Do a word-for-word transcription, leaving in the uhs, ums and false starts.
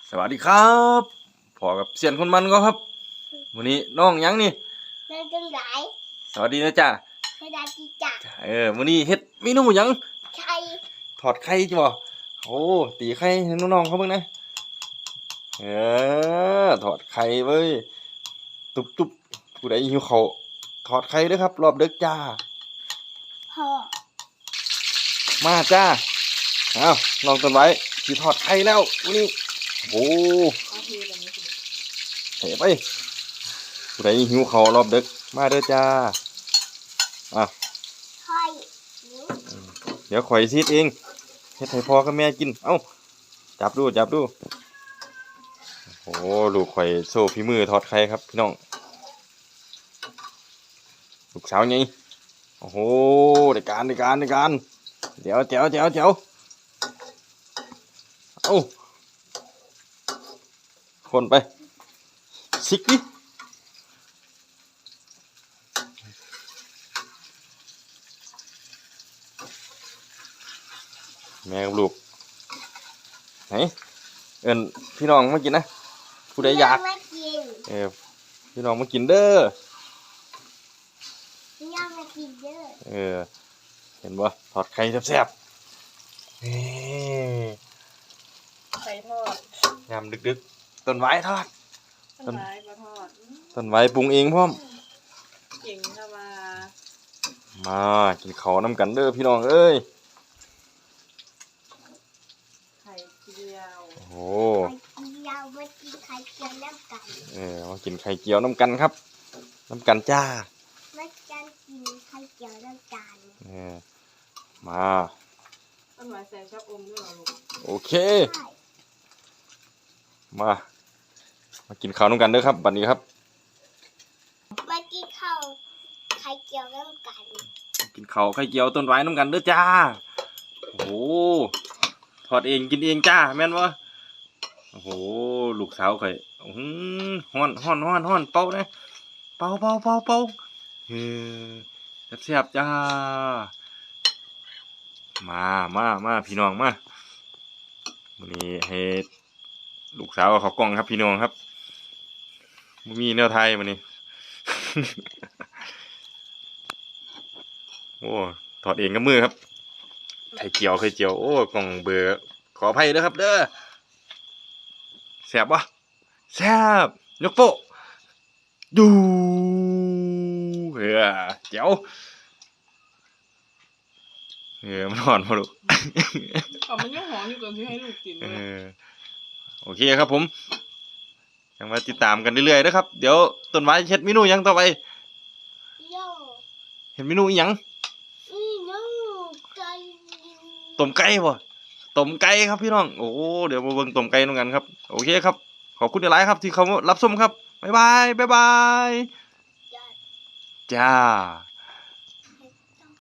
สวัสดีครับพอกับเสียนคนมันก็ครับวันนี้น้องยังนี่เดินจังไหนสวัสดีนะจ๊ะสวัสดีจ้ะเออวันนี้เฮ็ดเมนูยังไข่ถอดไข่จ้ะโอ้ตีไข่ให้น้องๆเขาเบิ่งนะเออถอดไข่เว้ยตุบตุบผู้ใดหิวข้าวถอดไข่ด้วยครับรอบดึกจ้าพ่อมาจ้าเอาลองต้นไว้ที่ถอดไข่แล้ววันนี้โอ้เฮ้ไปผู้ใดหิวข้าวรอบดึกมาเด้อจ้าอ่ะไข่เดี๋ยวข่อยซีดเองเฮ็ดให้พ่อกับแม่กินเอ้าจับดูจับดูโอ้ลูกข่อยโซ่ฝีมือทอดไข่ครับพี่น้องลูกสาวไงโอ้โหได้การได้การได้การเดี๋ยวเดี๋ยวเดี๋ยวเดี๋ยวเอ้าคนไปซิกดิแม่กับลูกไหนเอิญพี่น้องมากินนะผู้ใดอยากเออพี่น้องมากินเด้อพี่น้องมากินเด้อเออเห็นบ่ทอดไข่แซ่บๆนี่ไข่ทอดยำดึกๆต้นไว้ทอดต้นไม้มาทอดต้นไว้ปรุงเองพร้อมเก่งค่ะมามากินข้าวน้ำกันเด้อพี่น้องเอ้ยไข่เจียวโอ้ไข่เจียวมากินไข่เจียวน้ำกันเออมากินไข่เจียวน้ำกันครับน้ำกันจ้ามากันกินไข่เจียวน้ำกันเออมาต้นไม้ใส่ชอบอมด้วยเหรอลูกโอเคมามากินข้าวน้ำกันเด้อครับบัดนี้ครับมากินข้าวไข่เจียวน้ำกันกินข้าวไข่เจียวต้นไว้น้ำกันเด้อจ้าโอ้ทอดเองกินเองจ้าแม่นวะโอ้โหลูกสาวข่อยอื้อฮ้อนฮ้อนฮ้อนฮ้อนเป่านะเป่าเป่าเป่าเป่าเฮ้ยแซ่บๆจ้ามามามาพี่น้องมาวันนี้ให้ลูกสาวเขากล้องครับพี่น้องครับมีแนวไทยวันนี้ โอ้ถอดเองกับมือครับไข่เจียวไข่เจียวโอ้กล่องเบอร์ขออภัยด้วยครับเด้อแซ่บวะแซ่บยกโป๊ะดูเฮ้ยเจียวเออมันหอนพอลูกอ๋อมันยังหอมอยู่ก่อนที่ให้ลูกกินเออโอเคครับผมยังมาติดตามกันเรื่อยๆนะครับเดี๋ยวต้นไม้เฮ็ดเมนูยังต่อไปเห็นเมนูอีหยังต้มไก่บ่ต้มไก่ครับพี่น้องโอ้เดี๋ยวมาเบิ่งต้มไก่ด้วยกันครับโอเคครับขอบคุณหลายครับที่เขารับชมครับบ๊ายบายบ๊ายบายจ้า